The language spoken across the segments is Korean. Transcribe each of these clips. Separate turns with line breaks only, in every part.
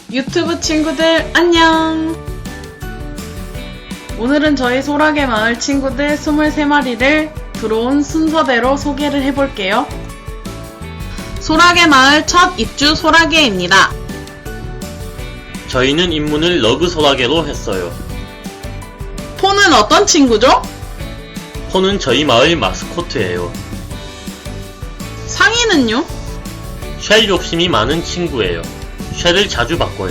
유튜브 친구들 안녕! 오늘은 저희 소라게 마을 친구들 23마리를 들어온 순서대로 소개를 해볼게요. 소라게 마을 첫 입주 소라게입니다.
저희는 입문을 러그 소라게로 했어요.
포는 어떤 친구죠?
포는 저희 마을 마스코트예요.
상이는요?
쉘 욕심이 많은 친구예요. 쉘을 자주 바꿔요.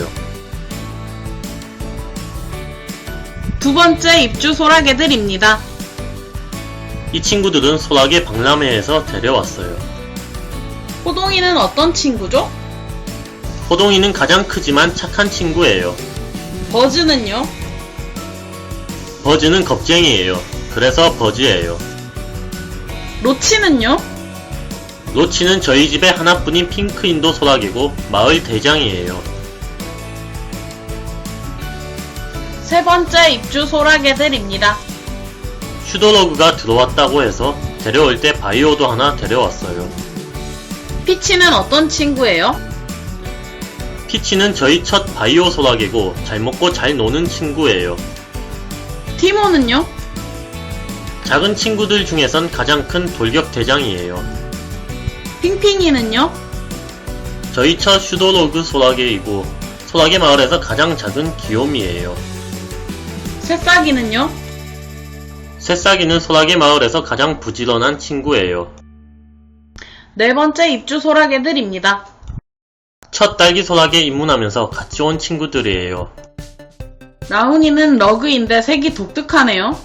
두 번째 입주 소라게들입니다.
이 친구들은 소라게 박람회에서 데려왔어요.
호동이는 어떤 친구죠?
호동이는 가장 크지만 착한 친구예요.
버즈는요?
버즈는 겁쟁이예요. 그래서 버즈예요.
로치는요?
로치는 저희 집에 하나뿐인 핑크 인도 소라게고 마을 대장이에요.
세 번째 입주 소라게들입니다.
슈도러그가 들어왔다고 해서 데려올 때 바이오도 하나 데려왔어요.
피치는 어떤 친구예요?
피치는 저희 첫 바이오 소라게고 잘 먹고 잘 노는 친구예요.
티모는요?
작은 친구들 중에선 가장 큰 돌격 대장이에요.
핑핑이는요?
저희 첫 슈도러그 소라게이고 소라게 마을에서 가장 작은 귀요미예요.
새싹이는요?
새싹이는 소라게 마을에서 가장 부지런한 친구예요.
네 번째 입주 소라게들입니다.
첫 딸기 소라게 입문하면서 같이 온 친구들이에요.
라훈이는 러그인데 색이 독특하네요.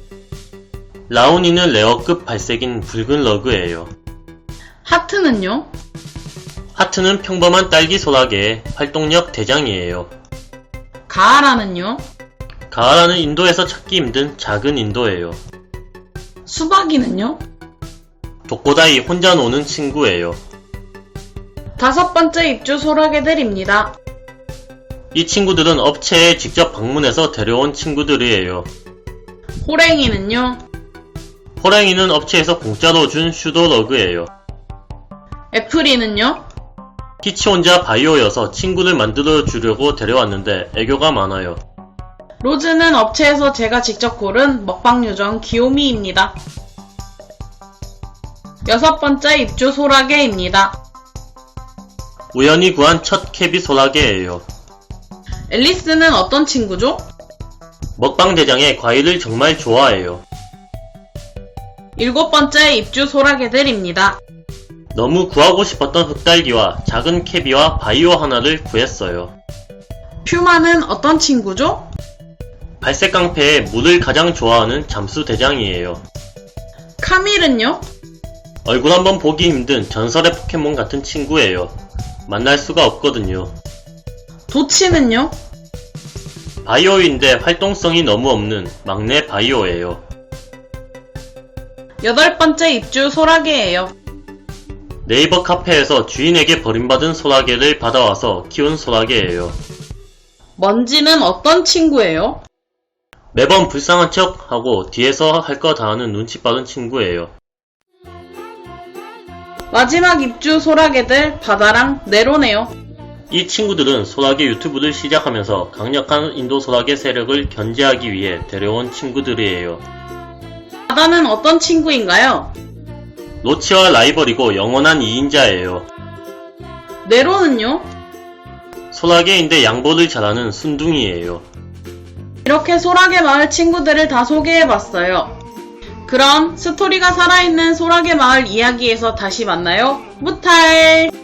라온이는 레어급 발색인 붉은 러그예요.
하트는요?
하트는 평범한 딸기 소라게의 활동력 대장이에요.
가하라는요?
가하라는 인도에서 찾기 힘든 작은 인도예요.
수박이는요?
독고다이 혼자 노는 친구예요.
다섯 번째 입주 소라게들입니다.
이 친구들은 업체에 직접 방문해서 데려온 친구들이에요.
호랭이는요?
호랭이는 업체에서 공짜로 준 슈도러그예요.
애플이는요?
피치 혼자 바이오여서 친구를 만들어 주려고 데려왔는데 애교가 많아요.
로즈는 업체에서 제가 직접 고른 먹방 요정 귀요미입니다. 여섯 번째 입주 소라게입니다.
우연히 구한 첫 캐비 소라게예요.
앨리스는 어떤 친구죠?
먹방 대장의 과일을 정말 좋아해요.
일곱 번째 입주 소라게들입니다.
너무 구하고 싶었던 흑달기와 작은 캐비와 바이오 하나를 구했어요.
퓨마는 어떤 친구죠?
발색 깡패에 물을 가장 좋아하는 잠수 대장이에요.
카밀은요?
얼굴 한번 보기 힘든 전설의 포켓몬 같은 친구예요. 만날 수가 없거든요.
도치는요?
바이오인데 활동성이 너무 없는 막내 바이오예요.
여덟 번째 입주 소라게예요.
네이버 카페에서 주인에게 버림받은 소라게를 받아와서 키운 소라게예요.
먼지는 어떤 친구예요?
매번 불쌍한 척 하고 뒤에서 할 거 다 하는 눈치 빠른 친구예요.
마지막 입주 소라게들 바다랑 네로네요.
이 친구들은 소라게 유튜브를 시작하면서 강력한 인도 소라게 세력을 견제하기 위해 데려온 친구들이에요.
바다는 어떤 친구인가요?
로치와 라이벌이고 영원한 2인자예요.
네로는요?
소라게인데 양보를 잘하는 순둥이에요.
이렇게 소라게 마을 친구들을 다 소개해봤어요. 그럼 스토리가 살아있는 소라게 마을 이야기에서 다시 만나요. 무탈!